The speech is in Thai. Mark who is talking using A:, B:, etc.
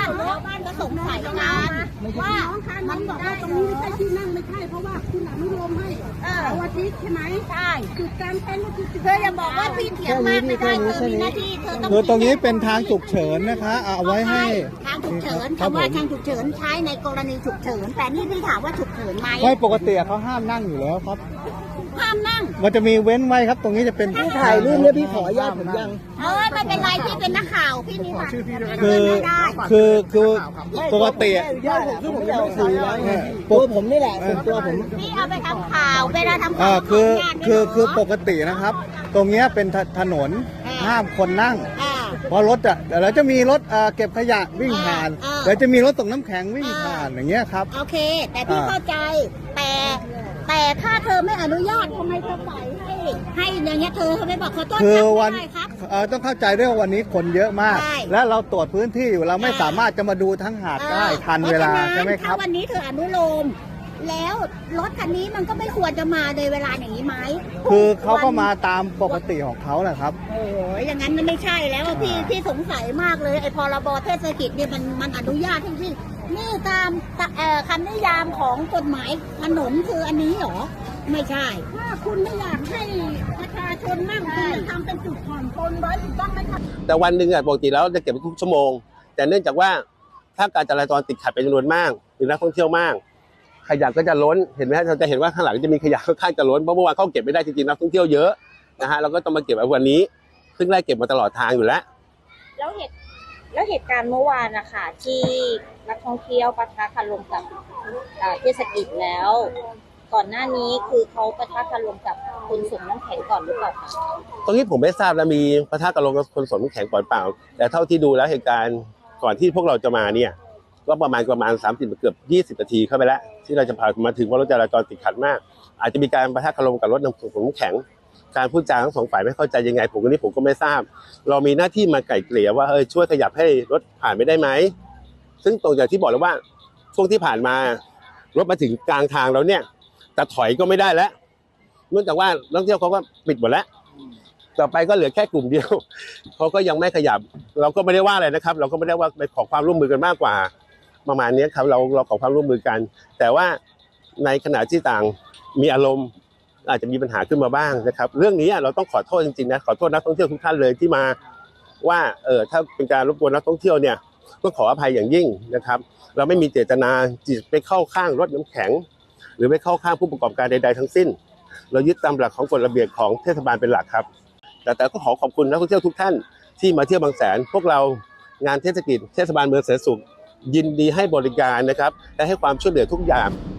A: ชาวบ้านก็สงสัยกันว่ามันบอกว่าตรงนี้ไม่ใช่ที่นั่งไม่ใช่เพราะว่าคุณอนุโลมให้เสาร์อาทิตย์ใช่ไหมใช่จุดกลางเต็นท์ก็คือเธออย่าบอกว่าพี่เถียงมากไม่ได้เธอมีหน้าที่เธอต้อง
B: คือตรงนี้เป็นทางฉุกเฉินนะคะเอาไว้ให้
A: ทางฉุกเฉินคำว่าทางฉุกเฉินใช้ในกรณีฉุกเฉินแต่นี่พี่ถามว่าฉุกเฉินไหม
B: ไม่ปกติเขาห้ามนั่งอยู่แล้วครับ
A: ห้ามนั่ง
B: มันจะมีเว้นไว้ครับตรงนี้จะเป็น
C: พี่ถ่ายรูปเนี่ยพี่ขออนุญาตผมยัง
A: ไม่เป็นไรพี่เป็นนักข่าวพี่มีค่ะ
B: คือปกติ
C: ญาติผมซึ่งผมจะไม่สื่อแล้วตัวผมนี่แหละส่วนตัวผม
A: พี่เอาไปทำข่าวเวลาทำข่าว
B: คือปกตินะครับ ตรงนี้เป็นถนนห้ามคนนั่งเพราะรถแล้วจะมีรถเก็บขยะวิ่งผ่านแล้วจะมีรถส่งน้ำแข็งวิ่งผ่านอย่างเงี้ยครับ
A: โอเคแต่พี่เข้าใจแต่ถ้าเธอไม่อนุญาตทำไมเธอปล่อยให้อย่างเงี้ยเธอไม่บอกขอโทษ
B: คือวันต้องเข้าใจด้วยว่าวันนี้คนเยอะมากและเราตรวจพื้นที่อยู่เราไม่สามารถจะมาดูทั้งหาดได้ทันเวลาใช่ไหมครับ
A: ถ้าวันนี้เธออนุโลมแล้วรถคันนี้มันก็ไม่ควรจะมาในเวลาอย่างนี้ไหม
B: คือเขาก็มาตามปกติของเขาแหละครับ
A: โอ้ยอย่างนั้นมันไม่ใช่แล้วพี่สงสัยมากเลยไอ้พรบเทศกิจเนี่ยมันอนุญาตที่นี่ตามคำนิยามของกฎหมายถนนคืออันนี้เหรอไม่ใช่ถ้าคุณไม่อยากให้ประชาชนนั่งคุณจะทำเป็นจุดผ่อนปลนไว้ถูกต้องไหมครับ
D: แต่วันหนึ่งปกติแล้วจะเก็บทุกชั่วโมงแต่เนื่องจากว่าถ้าการจราจรติดขัดเป็นจำนวนมากหรือนักท่องเที่ยวมากขยะก็จะล้นเห็นไหมเราจะเห็นว่าข้างหลังจะมีขยะค่อนข้างจะล้นเพราะเมื่อวานเขาเก็บไม่ได้จริงๆนักท่องเที่ยวเยอะนะฮะเราก็ต้องมาเก็บวันนี้ซึ่งไล่เก็บมาตลอดทางอยู่แล้ว
E: เหตุการณ์เมื่อวานนะคะที่นักท่องเที่ยวปะทะคารมกับเทศกิจแล้วก่อนหน้านี้คือเขาปะทะคารมกับคนส่งน้ำแข็งก่อนหรือเปล่าคะ
D: ตรงนี้ผมไม่ทราบแล้วมีปะทะคารมกับคนส่งน้ำแข็งก่อนเปล่าแต่เท่าที่ดูแล้วเหตุการณ์ก่อนที่พวกเราจะมาเนี่ยก็ประมาณ30เกือบ20นาทีเข้าไปแล้วที่เราจะพามาถึงว่ารถจราจรติดขัดมากอาจจะมีการปะทะคารมกับรถน้ำแข็งการพูดจาทั้งสองฝ่ายไม่เข้าใจยังไงผมก็ไม่ทราบเรามีหน้าที่มาไกล่เกลี่ยว่าช่วยขยับให้รถผ่านไม่ได้ไหมซึ่งตรงอย่างที่บอกแล้วว่าช่วงที่ผ่านมารถมาถึงกลางทางแล้วเนี่ยแต่ถอยก็ไม่ได้แล้วเนื่องจากว่านักท่องเที่ยวเขาก็ปิดหมดแล้วต่อไปก็เหลือแค่กลุ่มเดียวเขาก็ยังไม่ขยับเราก็ไม่ได้ว่าอะไรนะครับเราก็ไม่ได้ว่าไปขอความร่วมมือกันมากกว่าประมาณนี้ครับเราขอความร่วมมือกันแต่ว่าในขณะที่ต่างมีอารมณ์อาจจะมีปัญหาขึ้นมาบ้างนะครับเรื่องนี้เราต้องขอโทษจริงๆนะขอโทษนักท่องเที่ยวทุกท่านเลยที่มาว่าถ้าเป็นการรบกวนนักท่องเที่ยวเนี่ยต้องขออภัยอย่างยิ่งนะครับเราไม่มีเจตนาจิตไปเข้าข้างรถน้ำแข็งหรือไปเข้าข้างผู้ประกอบการใดๆทั้งสิ้นเรายึดตามหลักของกฎระเบียบของเทศบาลเป็นหลักครับแต่ก็ขอขอบคุณนักท่องเที่ยวทุกท่านที่มาเที่ยวบางแสนพวกเรางานเทศกิจเทศบาลเมืองแสนสุขยินดีให้บริการนะครับและให้ความช่วยเหลือทุกอย่าง